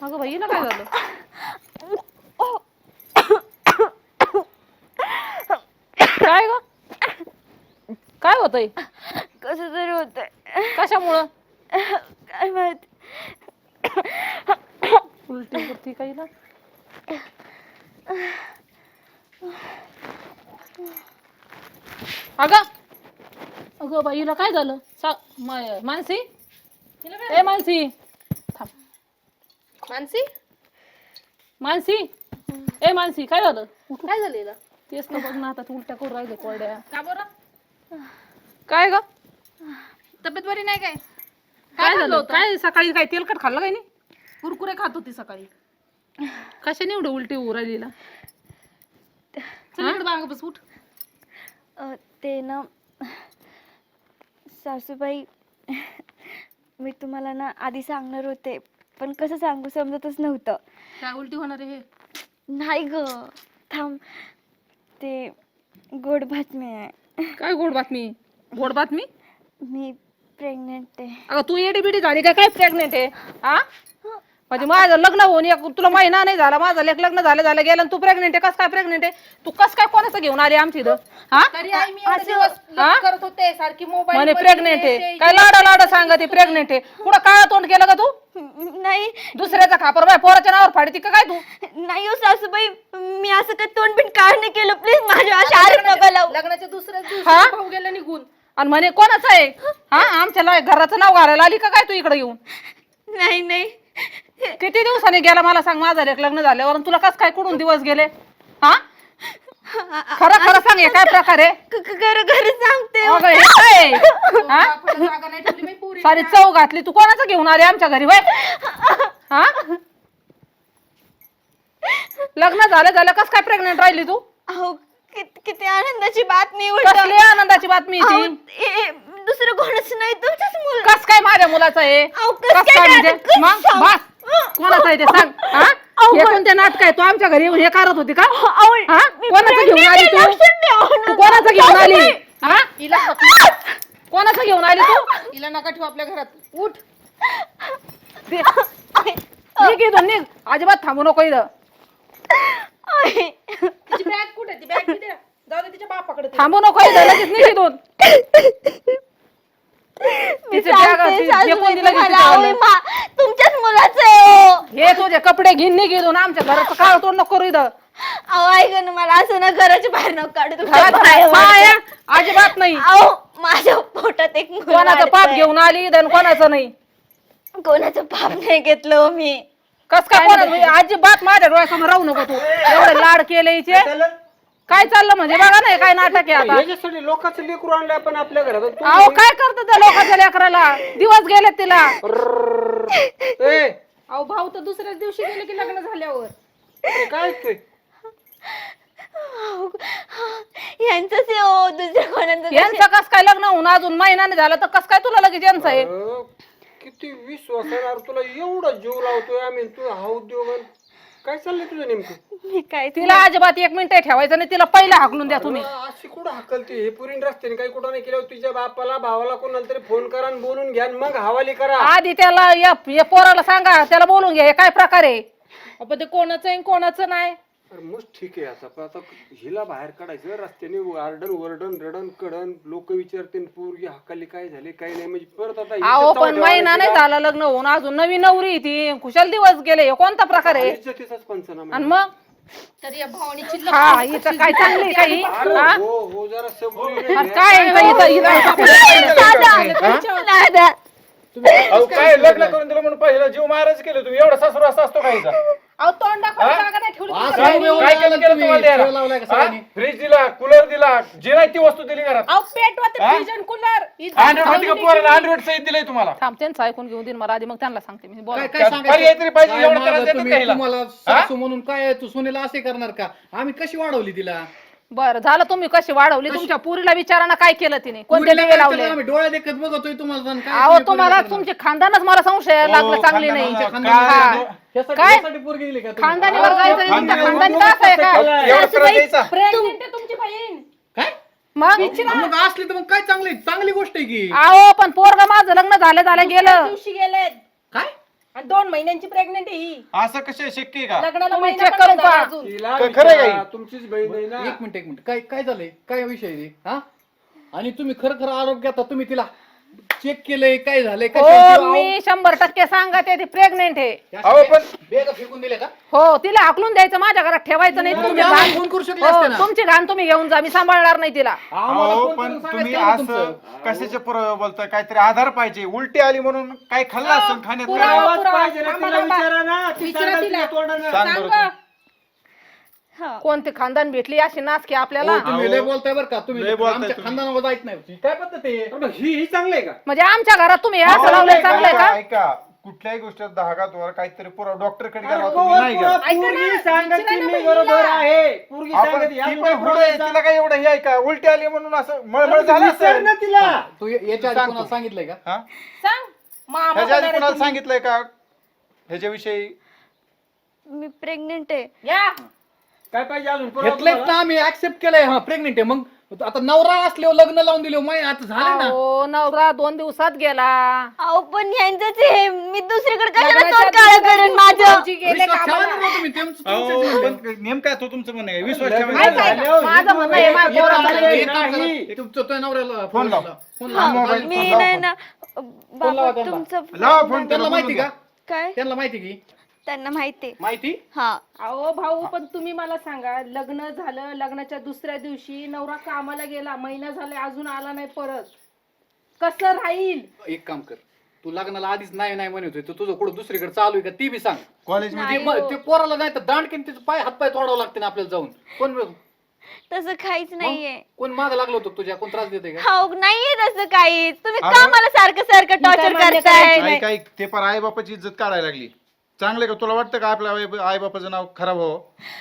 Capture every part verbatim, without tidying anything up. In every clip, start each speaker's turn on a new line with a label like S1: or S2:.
S1: अगं बाई हिला काय झालं? काय ग काय होतंय?
S2: कसं तरी होतंय.
S1: कशामुळं?
S2: काय माहित.
S1: उलटी होती काही ना. अगं अगं बाई हिला काय झालं? सा मा- मानसी ए मानसी थांब.
S3: मानसी
S1: मानसी ए मानसी काय झालं?
S3: काय झालं हिला?
S1: तेच ना बघ ना आता तू उलट्या करून राहिले कोरड्या.
S3: का बरं?
S1: काय ग
S3: तब्येत बरी नाही काय?
S1: काय झालं? काय सकाळी काय तेलकट खाल्लं काय नाही?
S3: कुरकुरे खात होती सकाळी.
S1: कशाने एवढं उलटी होऊ राहिलीला?
S3: चल इकडे बांग बस उठ.
S2: अ, ते ना सासूबाई, मी तुम्हाला ना आधी सांगणार होते पण कसं सांगू समजतच नव्हतं.
S3: काय उलटी होणार आहे हे?
S2: नाही ग, थांब. ते गोड बातमी आहे.
S1: काय गोड बातमी? गोड बातमी?
S2: मी प्रेग्नेंट आहे.
S1: अगं तू एडी बिडी झाली का काय प्रेग्नेंट आहे? हा म्हणजे माझं लग्न होऊन एक तुला महिना नाही झाला, माझं लेक लग्न झालं झालं गेलं आणि तू प्रेग्नेंट आहे. कस काय प्रेग्नेंट आहे तू? कस काय कोणाचं घेऊन आली आमची इथं? हा
S3: तरी आई मी एवढे दिवस लग्न करत होते सारखी मोबाईल
S1: म्हणे प्रेग्नेंट आहे. काय लाडा लाडा सांगते प्रेग्नेंट आहे. पुढं काय तोंड केलं का तू?
S2: नाही
S1: दुसऱ्याचा खापर बाय पोराच्या नावावर फाडती का काय तू?
S2: नाही हो सासूबाई, मी असं काय तोंड बिन काय नाही केलं. प्लीज माझ्या अशा आरोप नका लावू.
S3: लग्नाच्या दुसऱ्या दिवशी
S1: हा?
S3: भाऊ गेला निघून.
S1: आणि म्हणे कोणाचं आहे? हा आमच्या ला- घराचं नाव घालायला आली का काय तू इकडे येऊन?
S2: नाही नाही
S1: किती दिवसांनी गेला मला सांग माझं लेक लग्न झाल्यावर? आणि तुला कस काय कुठून दिवस गेले? हा खरं खरं सांग हे काय प्रकार आहे?
S2: खरं खरं सांगते.
S1: अगं हे काय? हा
S3: बापाला जागा नाही ठेवली बाई पोरी.
S1: सारी चव घातली. तू कोणाचं घेऊन आली आमच्या घरी? वय हा लग्न झालं झालं कस काय प्रेग्नेंट राहिली तू?
S2: अहो किती किती आनंदाची बातमी.
S1: कसली आनंदाची बातमी ती?
S2: दुसरं कोणच नाही, तुमचंच मुल.
S1: कस काय माझ्या मुलाचं आहे?
S2: अहो, कसं
S1: कस
S2: काय
S1: काय म्हणजे?
S2: काय? कसं
S1: मग
S2: सांग?
S1: बस कोणाचं आहे ते सांग. हा हे कोणते नाटक आहे? तू आमच्या घरी येऊन हे करत होती का?
S2: अहो,
S1: हा
S2: मी
S1: कोणाचं घेऊन आली
S2: pregnant
S1: तू?
S2: आहे, लक्षात ठेवा ना.
S1: तू कोणाचं घेऊन आली? हा
S3: हिला
S1: कोणाचं घेऊन आली तू?
S3: हिला नका ठेवू आपल्या घरात. उठ.
S1: दे. निघ इथून निघ. अजिबात थांबू नको इथं.
S3: तिची बॅग कुठे? ती बॅग दे. जाऊ दे तिच्या बापाकडे. ते.
S1: थांबू नको इथं. लगेच निघ इथून.
S2: मी
S1: तिचे
S2: सांगते,
S1: बॅग असतील, जे
S2: सासूबाई
S1: कोणी दिलं
S2: तुम्हाला,
S1: तिचे
S2: अहो,
S1: वाले.
S2: मा- तुमच्याच मुलाचं आहे हो.
S1: हे तुझे कपडे घेऊन निघ इथून. आमच्या घराचं काळ तोंड नको करू इथं.
S2: अहो ऐक ना, मला असं ना घराच्या बाहेर नको काढू. तुमच्या
S1: घरात
S2: पायावर.
S1: पाया अजिबात नाही.
S2: अहो माझ्या पोटात एक मुल
S1: कोणाचं पाप
S2: वाढतंय.
S1: घेऊन आली इथं आणि कोणाचं नाही.
S2: कोणाचं पाप नाही घेतलं हो मी.
S1: कस काय कोणा अजिबात माझ्या डोळ्यासमोर राहू नको तू. एवढे लाड केले हिचे. काय चाललं म्हणजे बघा ना हे काय नाटक आहे आता.
S4: याच्यासाठी लोकांचं लेकरू आणलं आपण आपल्या घरात आणि तू
S1: अहो काय करतो त्या लोकांच्या लेकराला? दिवस गेले तिला.
S4: ए,
S3: अहो भाऊ तर दुसऱ्याच दिवशी गेले की लग्न झाल्यावर.
S4: ते काय ते
S2: यांचंच आहे हो, दुसरं कोणाचं
S1: यांचं कस काय लग्न होऊन अजून महिना नाही झाला तर कस काय तुला लगेच यांचं आहे?
S4: अं, किती विश्वास आहे यार तुला. एवढा जीव लावतोय आम्ही तू हा उद्योग आणि काय चाललंय तुझं नेमकं?
S2: मी काय
S1: तिला अजिबात एक मिनिट ठेवायचं नाही. तिला पहिला हाकलून द्या तुम्ही.
S4: अं, अशी कुठं हकलते? हे पुरीन रस्त्याने काही कुठं नाही केलं. तुझ्या बापाला भावाला कोणाला तरी फोन करा आणि बोलून घ्या आणि मग हवाली करा.
S1: आधी त्याला या या पोराला सांगा, त्याला बोलून घ्या हे काय प्रकार आहे.
S3: आपण ते कोणाचं आहे कोणाचं नाही.
S4: अरे मग ठीक आहे आता पण आता हिला बाहेर काढायचं रस्त्याने आरडन वरडन रडन कडन लोक विचारतील पोरगी हकाली काय झाले काय नाही म्हणजे परत आता
S1: अहो
S4: इज्जत
S1: पण महिना
S4: ठेवायची
S1: नाही
S4: का?
S1: झाला लग्न होऊन अजून नवी नवरी ती. खुशाल दिवस गेले. हे कोणता प्रकार आहे?
S4: इज्जतीचाच पंचनामा.
S1: आणि मग
S3: तर या भावनीची
S1: हा हिचं काय चांगली काही
S4: अरे
S1: हा?
S4: हो हो जरा सबुरीने
S1: आणि
S4: घ्या.
S1: काय हिचं- हिचं- हिचं-
S2: दादा
S5: अहो काय लग्न करून दिलं म्हणून पहिला जीव महाराज केलं तुम्ही. एवढा सासू असा असतो काहीचा?
S3: अहो तोंड दाखवायला जागा नाही ठेवली.
S5: काय काय केलं केलं तुम्हाला द्यायला? फ्रीज दिला, कूलर दिला, जी नाही ती वस्तू दिली घरात.
S3: अहो पेटवा ते
S5: हा?
S3: फ्रीज आणि कूलर.
S5: अँड्रॉइड होती का पोराला? अँड्रॉइड सहित दिलंय तुम्हाला.
S1: थांब त्यांचं ऐकून घेऊन देईन मला आधी, मग त्यांना सांगते मी. बोला.
S5: पर्याय तरी पाहिजे. एवढं त्रास देतात का हिला?
S6: तुम्हाला सासू म्हणून काय तू सुनेला असे करणार का? आम्ही कशी वाढवली तिला?
S1: बरं झालं तुम्ही कशी वाढवली. तुमच्या पुरीला विचाराना काय केलं तिने, कोणते
S6: पुरीला
S1: दिवे
S6: काय
S1: लावले.
S6: केलं? आम्ही डोळ्या देखत बघतोय तुम्हाला जाऊन काय
S1: अहो
S6: तुम्ही
S1: तुम्हाला
S6: पोरीला
S1: तुमचे खानदानच मला संशय लागला चांगली नाही.
S6: करणार?
S1: हा.
S6: ह्यासाठी-
S1: काय?
S6: ह्यासाठी पोरगी दिली का तुम्ही?
S1: खानदानीवर जायचं तुमच्या खानदानी का असं आहे का?
S5: एवढं त्रास द्यायचा?
S3: प्रेग्नेंट आहे तुमची बहीण.
S6: काय
S1: मग
S6: मग असली तर मग काय चांगली चांगली गोष्ट आहे की.
S1: अहो पण पोरग माझं लग्न झालं झालं गेलं.
S3: दिवशी गेलेत.
S6: काय
S3: आणि दोन महिन्यांची प्रेग्नेंट आहे ही.
S5: असं कसं शक्य आहे का?
S3: लग्नाला
S1: तुम्ही
S3: महिना
S1: check
S3: पण
S1: करून
S3: नाही झाला
S1: पहा.
S3: अजून.
S4: तिला
S5: क- खरं आहे
S4: विचारा,
S5: का?
S4: तुमचीच बहीण आहे ना.
S6: एक मिनिट एक मिनिट काय काय झालंय काय विषय आहे रे? हा आणि तुम्ही खरं खरं आरोप घेता तुम्ही तिला चेक केलंय काय झालंय
S1: हो
S6: काय
S1: मी शंभर टक्के सांगते ती प्रेग्नेंट आहे.
S5: अहो पण
S6: बेगा फेकून दिले का
S1: हो तिला हाकलून द्यायचं, माझ्या घरात ठेवायचं नाही.
S6: तुम्ही
S1: तुमची
S6: आम्हाला
S1: घाण
S6: फोन करू शकले
S1: हो,
S6: असते ना.
S1: तुमची घाण तुम्ही घेऊन जा, मी सांभाळणार नाही तिला.
S6: आम्हाला
S5: अहो
S6: फोन
S5: पण
S6: करून
S5: तुम्ही
S6: सांगायचं ना
S5: असं
S6: तुमचं.
S5: कशाचे पुरावे बोलताय? काहीतरी आधार पाहिजे. उलटी आली म्हणून काय खाल्लं असेल खाण्यात?
S3: पुरावा,
S5: नाही.
S4: आवाज
S3: पुरावा.
S4: पाहिजे ना,
S3: आम्हाला
S4: तिला विचारा ना. ती
S3: विचारा
S4: सांगाल
S3: तिला.
S4: तिला तोंडानं.
S5: सांग बरं
S3: सांग.
S5: तू.
S2: हा
S1: कोणती खानदान भेटली अशी नाच की आपल्याला.
S6: हो, तुम्ही
S5: अहो,
S6: लय बोलताय बरं का तुम्ही
S5: लय बोलताय
S6: आमच्या
S5: तुम्ही.
S6: खानदानावर जायचं नाही काय पद्धत आहे
S4: अरे मग ही ही चांगली आहे का?
S1: म्हणजे आमच्या घरात तुम्ही
S5: अहो,
S1: असं लावलंय
S5: ऐका,
S1: चांगलंय का?
S5: ऐका कुठल्याही गोष्टीत धागात वर काहीतरी पुरावा डॉक्टरकडे गेला
S4: अरे
S5: तुम्ही नाही
S4: पोरं-
S5: गेला.
S4: पोरगी सांगत
S3: विचारा
S4: ती
S3: ना
S4: मी
S3: बहिणीला.
S4: बरोबर आहे. पोरगी
S5: आपण
S4: सांगत
S5: ती
S4: या
S5: पण
S4: पुढे
S5: पुढे आहे, तिला काय एवढं हे आहे का? उलटी आली म्हणून असं मळमळ झालं
S4: विचार
S5: असेल.
S4: ना तिला.
S6: तू या- याच्या आधी
S5: सांग
S6: कोणाला
S5: तू.
S6: सांगितलंय का
S5: हा?
S3: सांग. मामा
S5: ह्याच्या आधी
S3: होणार आहे
S5: कुणाला
S3: तुम्ही.
S5: सांगितलंय का ह्याच्याविषयी?
S2: मी प्रेग्नेंट आहे.
S3: या
S4: काय पाहिजे अजून पुरावा
S6: घेतलंय
S4: तुम्हाला?
S6: ना आम्ही ऍक्सेप्ट केलंय हा प्रेग्नेंट आहे मग आता नवरा असल्यावर लग्न लावून दिले माय आता झालं ना
S1: हो नवरा दोन दिवसात गेला.
S2: अहो पण यांचंच आहे, मी दुसरीकडे कशाला
S3: लग्नाच्या
S2: तोंड काळं
S3: दुसऱ्या
S2: करेन
S3: दिवशी
S2: माझं.
S3: भाऊजी गेले
S6: विश्वास ठेवा
S3: कामाला.
S6: ना तुम्ही तुमचं- तुमचं
S5: अहो,
S6: जीवन.
S5: पण नेमका तो तुमचं म्हणणं आहे विश्वास
S4: लग्न
S5: ठेवायचा.
S1: काय
S4: झाल्यावर
S1: सांगा? माझं म्हणणं आहे, माझ्या
S4: हे
S1: पोराचं
S4: झालं
S6: एक काम
S4: नाही.
S6: करा, तुमचं तो नवऱ्याला
S5: फोन लाव.
S6: फोन
S2: हा,
S6: लाव.
S5: मोबाईल-
S2: मी
S5: फोन लाव
S2: नाही
S5: फोन.
S2: ना
S6: फोन लावा
S2: बाबा
S6: त्यांना.
S2: तुमचं
S5: लावा फोन
S6: त्यांना
S5: त्याला
S6: माहिती
S5: बोलून
S6: का
S2: काय
S6: त्यांना माहिती की
S2: त्यांना माहिती
S6: माहिती
S2: हा
S3: अहो भाऊ पण तुम्ही मला सांगा, लग्न झालं, लग्नाच्या दुसऱ्या दिवशी नवरा कामाला गेला, महिना झाले अजून आला नाही परत, कसं राहील?
S6: एक काम कर तू लग्नाला आधीच नाही नाही म्हणत होती तुझं कुठं दुसरीकडे चालू आहे का ती बी सांग
S5: कॉलेज
S2: नाही.
S6: ते म- ते पोराला नाही तर दांडकीन तिचं पाय हात पाय तोडावं लागते ना आपल्याला जाऊन कोण
S2: तसं काहीच नाहीये.
S6: कोण मागं लागलं होतं तुझ्या कोण त्रास देते का
S2: हो नाहीये तसं काहीच. तुम्ही
S5: अरे.
S2: का मला सारखं सारखं टॉर्चर
S3: मान्य
S2: करताय?
S5: काही काही ते पण आई बापाची इज्जत काढायला लागली. चांगलं का तुला वाटतं का आपल्या आई बापाचं नाव खराब व्हावं?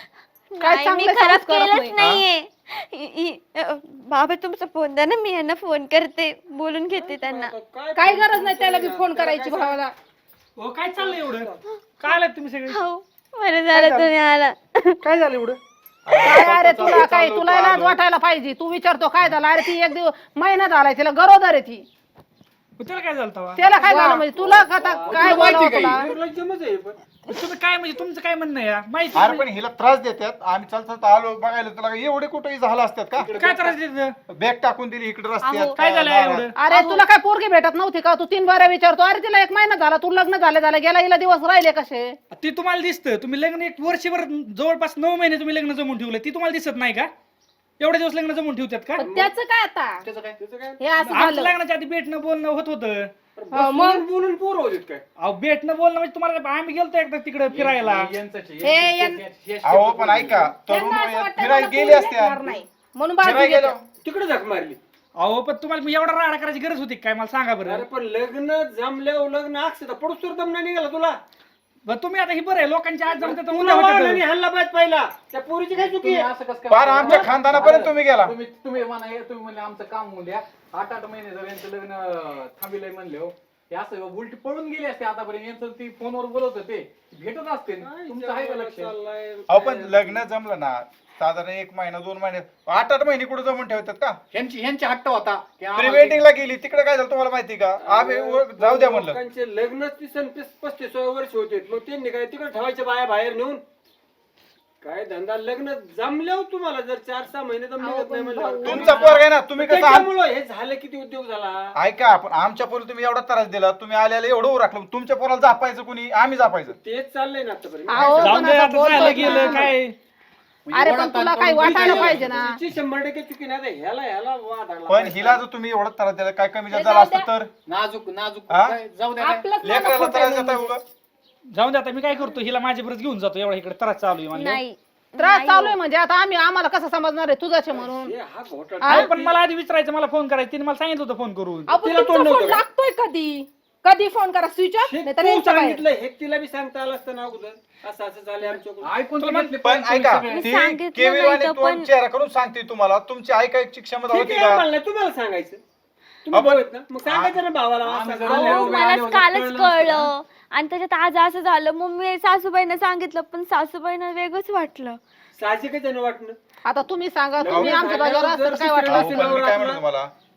S1: काय
S2: नाही, मी
S1: चांगलं
S2: खराब
S1: संस्कार
S2: केलंच
S1: नाही.
S2: नाहीये. इ- इ- अ, बाबा तुमचा फोन द्या ना, मी यांना फोन करते, बोलून घेते त्यांना.
S3: काय गरज नाही त्याला बी फोन करायची भावाला.
S7: हो काय चाललंय एवढं? काय आलात तुम्ही सगळे?
S2: हो बरं झालं तुम्ही आला.
S7: काय झालं एवढं?
S1: काय अरे तुला काय तुला लाज वाटायला पाहिजे. तू विचारतो काय झालं? अरे ती एक दिवस महिना झालाय तिला गरोदर आहे ती.
S7: मग त्याला काय झालं तेव्हा?
S1: त्याला काय झालं म्हणजे तुला आता काय
S6: तुला माहिती
S1: बोलावं
S6: काय?
S1: तुला?
S4: निर्लज्जमच आहे पण.
S7: तुम्ही काय म्हणजे तुमचं काय म्हणणं आहे? माहिती
S5: अरे पण हिला त्रास देतात. आम्ही चालतात आलो बघायला तुला एवढे कुठेही झालं असतात का?
S7: काय त्रास देत?
S5: बॅग टाकून दिली इकडे रस्त्यात
S7: काय झालं एवढं?
S1: अरे तुला काय पोरगी भेटत नव्हती का? तू तीन बाऱ्या विचारतो. अरे तिला एक महिना झाला, तू लग्न झालं झालं गेला, हिला दिवस राहिले कसे?
S7: ती तुम्हाला दिसतं. तुम्ही लग्न एक वर्षभर जवळपास नऊ महिने तुम्ही लग्न जमून ठेवलं, ती तुम्हाला दिसत नाही का? एवढे दिवस लग्न जमून ठेवतात का?
S3: पण त्याचं काय आता?
S6: त्याचं काय
S4: त्याचं काय?
S3: हे असं
S7: आमचं
S3: झालं.
S7: लग्नाच्या आधी भेटणं बोलणं होत होतं.
S4: बसून बोलून पोर होत काय?
S7: अहो भेटणं बोलणं म्हणजे तुम्हाला आम्ही गेलतो एकदा तिकडे फिरायला.
S6: यांचंच आहे.
S3: हे यां-
S6: यांचं- हे-
S5: अहो पण ऐका तरुण
S3: त्यांना असं
S5: वयात
S3: वाटतं
S5: फिरायला
S3: मला
S5: गेले
S3: पोरी
S5: असत्या.
S3: भेटणार नाही. म्हणून बाजू
S5: फिरायला गेलो.
S3: घेतात.
S4: तिकडे झक मारली.
S7: अहो पण तुम्हाला मी एवढा राडा करायची गरज होती काय मला सांगा
S4: अरे
S7: बरं?
S4: पण लग्न जमल्यावर लग्न अक्षता पडूस तर दम नाही निघाला तुला.
S7: बरं तुम्ही आता ही बरं आहे लोकांच्या आज जमते तर
S4: तुला
S7: उद्या
S4: वाढलं
S7: होतं.
S4: आणि हल्ला पाहिजे पहिला. त्या पोरीची काय चुकी
S6: तुम्ही
S4: आहे?
S6: असं कसं काय
S5: फार
S6: म्हणता?
S5: आमच्या खानदानापर्यंत तुम्ही गेला.
S6: तुम्ही तुम्ही म्हणा हे तुम्ही म्हणले आमचं काम होऊ द्या आठ आठ महिने जर यांचं लग्न थांबिलंय म्हणले हो हे असं उलटी पळून गेले असते आतापर्यंत यांचं ती फोनवर बोलत होते भेटत असते तुमचं आहे का लक्ष
S4: चाललंय.
S5: अहो पण लग्न जमलं ना साधारण एक महिना दोन महिने आठ आठ महिने कुठे जमून ठेवतात का?
S6: ह्यांची ह्यांची हट्ट होता की
S5: प्री
S6: आम्हाला
S5: वेडिंगला गेली तिकडे काय झालं तुम्हाला माहिती का? आम्ही वर- जाऊ द्या म्हणलं.
S4: लोकांचे लग्न तीस आणि तीस पस्तीस वर्ष होते मग त्यांनी काय तिकडे ठेवायच्या बाया बाहेर नेऊन काय धंदा लग्न जमल्यावर तुम्हाला जर चार सहा महिने तर निघत नाही म्हणल्यावर
S5: तुमचा पोरग आहे ना तुम्ही कसं आम-
S4: त्याच्यामुळं हे झालं किती उद्योग झाला.
S5: ऐका पण आमच्या पोरी तुम्ही एवढा त्रास दिला तुम्ही आल्याला एवढं उराखलं तुमच्या पोराला जापायचं कुणी आम्ही जापायचं.
S4: तेच चाललंय ना आतापर्यंत.
S1: अहो,
S7: जाऊन
S1: पण
S7: दे
S1: आता
S7: आता
S1: बोलतोय
S7: झालं गेलं
S1: ना.
S7: काय.
S1: अरे पण तुला काही वाटायला पाहिजे ना.
S4: तिची शंभर टक्के चुकी नाही आता ह्याला ह्याला वाद आला.
S5: पण हिला जर तुम्ही एवढा त्रास दिला काय कमी जास्त झालं असतं तर
S6: नाजूक नाजूक
S5: हा?
S6: काय, जाऊ द्या काय.
S3: आपलंच मला
S5: लेकराला
S3: खोटं
S5: त्रास
S3: आहे
S5: देता
S3: म्हणजे.
S5: उगा.
S7: जाऊन दे आता मी काय करतो हिला माझ्या बरोबर घेऊन जातो एवढा इकडे त्रास चालू आहे म्हणल्यावर.
S2: नाही
S1: त्रास चालू आहे म्हणजे आता आम्ही आम्हाला कसं समजणार आहे तुझ्याचे म्हणून?
S4: हे हा घोटाळा.
S7: अहो, पण मला आधी विचारायचं मला फोन करायचं तिने मला सांगितलं होतं फोन करून.
S3: आपण
S4: तिला
S3: तुमचा
S4: तोंड
S3: फोन
S4: नव्हतं का?
S3: लागतोय कधी कधी फोन करा स्विच ऑफ
S4: हे
S3: नाही तर
S4: तू
S3: यांच्या बाहेर.
S4: सांगितलं हे तिला बी सांगता आलं असतं ना अगोदर असं असं झालं आमच्याकडून.
S6: ऐकून तर
S5: पण
S6: घेतले
S5: पण
S6: पण
S5: ऐका
S6: सगळे.
S5: ती
S2: सांगितलं
S5: केवी
S2: नाही
S5: वाणी
S2: तर
S5: तोंड
S2: पण-
S5: चेहरा करून सांगते तुम्हाला तुमची ऐकायची क्षमता
S4: ठीक
S5: होती
S4: आहे
S5: का?
S4: आम्हाला नाही, तुम्हाला सांगायचं तुम्ही
S5: आपण-
S4: बोलत ना मग सांगायचं ना भावाला
S6: आम्ही
S4: असं
S6: जरा
S4: झालं.
S6: लेवलं-
S2: अहो, मला
S6: आले होते,
S2: कालच
S6: कळलं
S2: कळलं आणि त्याच्यात आज असं झालं मग मी सासूबाईंना सांगितलं पण सासूबाईंना वेगळंच वाटलं.
S4: साहजिकच आहे ना वाटणं.
S1: आता तुम्ही सांगा
S4: लग्न
S1: तुम्ही आमच्या
S4: झाल्यावर
S1: बाजूला असतं
S4: जर
S1: तर काय
S4: दुसऱ्या
S1: वाटलं?
S5: अहो,
S4: दिवशी
S5: पण मी
S4: नवरा
S5: काय
S4: आपला-
S5: म्हणतो तुम्हाला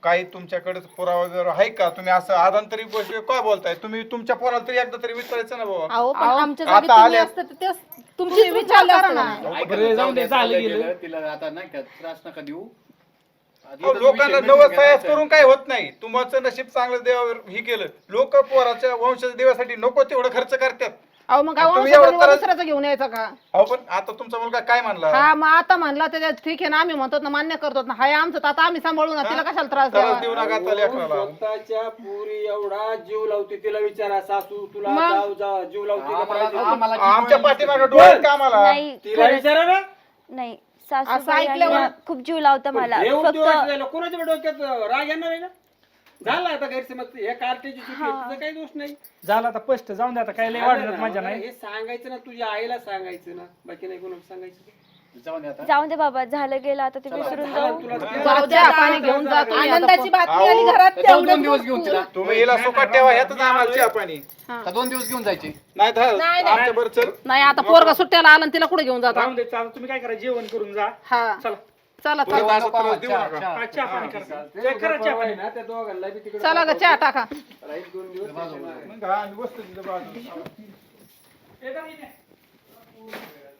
S5: काही तुमच्याकडे पुरावा वगैरे आहे का? तुम्ही असं आदांतरी गोष्ट काय बोलताय? तुम्ही तुमच्या पोराला तरी एकदा तरी विचारायचं ना बाबा.
S3: अहो पण आमच्या
S5: आता
S3: जागी तुम्ही
S5: आल्या-
S3: असतं तर ते तुमची विचार करा ना.
S6: ऐका
S7: बरं,
S6: ना,
S7: जाऊन दे,
S6: झालं
S7: झालं गेलं.
S6: गेलं, तिला आता नाही का त्रास नका देऊ. आधी
S5: अहो,
S6: तर
S5: लोकांना
S6: विषय
S5: नवस
S6: मिटून
S5: तयास
S6: घ्यायचा.
S5: करून काय होत नाही. तुमचं नशीब चांगलं देवावर हे केलं. लोक पोराच्या वंशाच्या देवासाठी नको तेवढं खर्च करतात.
S1: अहो मग काय
S5: तुम्ही
S1: वंशाचा
S5: एवढं
S1: दिवा
S5: त्रास-
S1: दुसऱ्याचा घेऊन यायचा का?
S5: अहो पण आता तुमचा मुलगा काय म्हणला?
S1: हा मग आता म्हणला त्याच्यात ठीक आहे ना, आम्ही म्हणतो ना, मान्य करतो ना, हाय आमचं तर आता आम्ही सांभाळू ना, तिला कशाला त्रास
S5: त्रास
S1: द्यावा?
S5: देऊ नका आता लेकराला.
S4: स्वतःच्या पुरी एवढा जीव लावते, तिला विचारा सासू तुला
S1: मग?
S4: जाऊ जा जीव लावते का
S6: आम्हाला
S4: पाहिजे?
S6: आम्हाला
S5: आमच्या पाठीमागे डोळ्यात का आम्हाला?
S2: नाही
S4: तिला
S2: खरंच
S4: विचारा ना.
S2: नाही.
S1: असं
S2: सासूबाई
S1: ऐकल्यावर-
S2: आणि खूप जीव लावता मला.
S4: हे
S2: फक्त
S4: उद्योग झालं, कोणाच्या डोक्यात राग येणार आहे ना? झाला आता गैरसमज, हे कार्टेची चुकी आहे, तुझा काही दोष नाही.
S7: झालं आता स्पष्ट जाऊन दे, आता काय लय
S4: झालं
S7: वाढणार
S4: ना,
S7: माझ्या
S4: मला
S7: नाही.
S4: हे सांगायचं ना, तुझ्या आईला सांगायचं ना, बाकी नाही कोणाला सांगायचं.
S6: जाऊन दे आता.
S2: जाऊन दे बाबा, झालं गेलं आता ते विसरून जाऊ.
S4: तुला
S1: जाऊ द्या, पाणी घेऊन जा तुम्ही आता.
S3: आनंदाची बातमी आली
S5: अहो,
S3: घरात
S6: जाऊ दोन
S3: तेवढं
S6: दिवस घेऊन तिला.
S5: तुम्ही हिला सुखात ठेवा, ह्यातच आम्हाला चहा पाणी.
S6: का दोन दिवस घेऊन जायचे.
S5: नाही तर आमच्या बरं चल.
S1: नाही आता पोरगा सुट्ट्याला आला आणि तिला कुठे घेऊन जाता?
S7: जाऊन दे, चालेल. तुम्ही काय करा, जेवण करून जा.
S1: हा
S7: चला
S1: चला
S5: पुढे
S1: चला
S5: असं त्रास देऊ
S6: चहा,
S5: नका.
S6: चहा.
S7: हा, चहा पाणी करा.
S4: ते
S7: ते करा चहा
S4: परवा
S7: पाणी.
S4: आहे ना, त्या दोघांना बी तिकडे
S1: चला ग चहा टाका.
S4: राहील दोन दिवस त्याच्यामुळे.
S5: मग हा, बसतो तिथं बाजूला.
S7: हे करा इथे.